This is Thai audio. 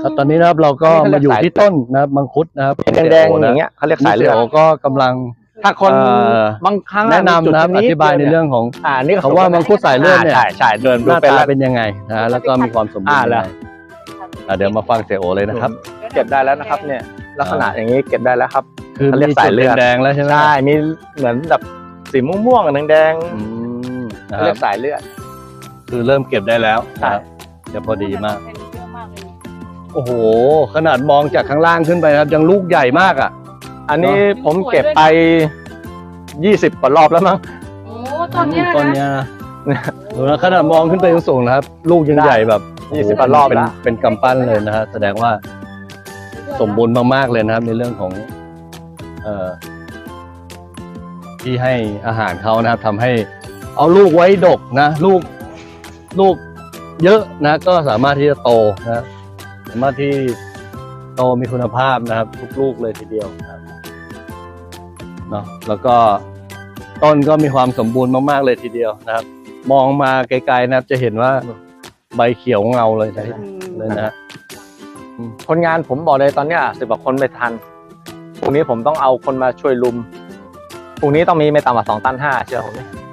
ครับตอนนี้นะครับเราก็มาอยู่ที่ต้นนะครับมังคุดนะครับแดงๆอย่างเงี้ยเขาเรียกสายเลือดก็กำลังถ้าคนบางครั้งแนะนำนะครับอธิบายในเรื่องของนี่เขาว่ามังคุดสายเลือดเนี่ยใช่เดินหดูน้าเป็นตาแล้วเป็นยังไงนะแล้วก็มีความสมบูรณ์ยังแล้ไงวเดี๋ยวมาฟังเสียโอเลยนะครับเก็บได้แล้วนะครับเนี่ยลักษณะอย่างนี้เก็บได้แล้วครับคือเขาเรียกมีสาจุยดเลือดแดงๆแล้วใช่ไหมใช่มีเหมือนแบบสีม่วงๆแดงอืมๆนะเขาคเรีรัยบกสายเลือดคือเริ่มเก็บได้แล้วนะครับจะพอดีมาก โอ้โหขนาดมองจากข้างล่างขึ้นไปนะครับยังลูกใหญ่มากอ่ะอันนี้ผมเก็บไป20 กว่ารอบแล้วมั้งโอ้ตอนเนี้ยต้นนะเนี้ยนะดูนะขนาดมองขึ้นไปสูงๆนะครับ ลูกยังใหญ่แบบ 20 กว่ารอบเป็นแล้วเป็นกำปั้นเลยนะฮะแสดงว่าสมบูรณ์มากๆเลยนะครับ ในเรื่องของที่ให้อาหารเขานะครับทำให้เอาลูกไว้ดกนะลูกเยอะนะก็สามารถที่จะโตนะสามารถที่โตมีคุณภาพนะครับทุกลูกเลยทีเดียวนะครับเนาะแล้วก็ต้นก็มีความสมบูรณ์มากๆเลยทีเดียวนะครับ มองมาไกลๆนะครับจะเห็นว่าใบเขียวเงาเลยนะฮะคนงานผมบอกเลยตอนเนี้ย10 กว่าคนไม่ทันพรุ่งนี้ผมต้องเอาคนมาช่วยลุมพรุ่งนี้ต้องมีไม่ต่ำกว่า2.5 ตันเชื่อผมดิ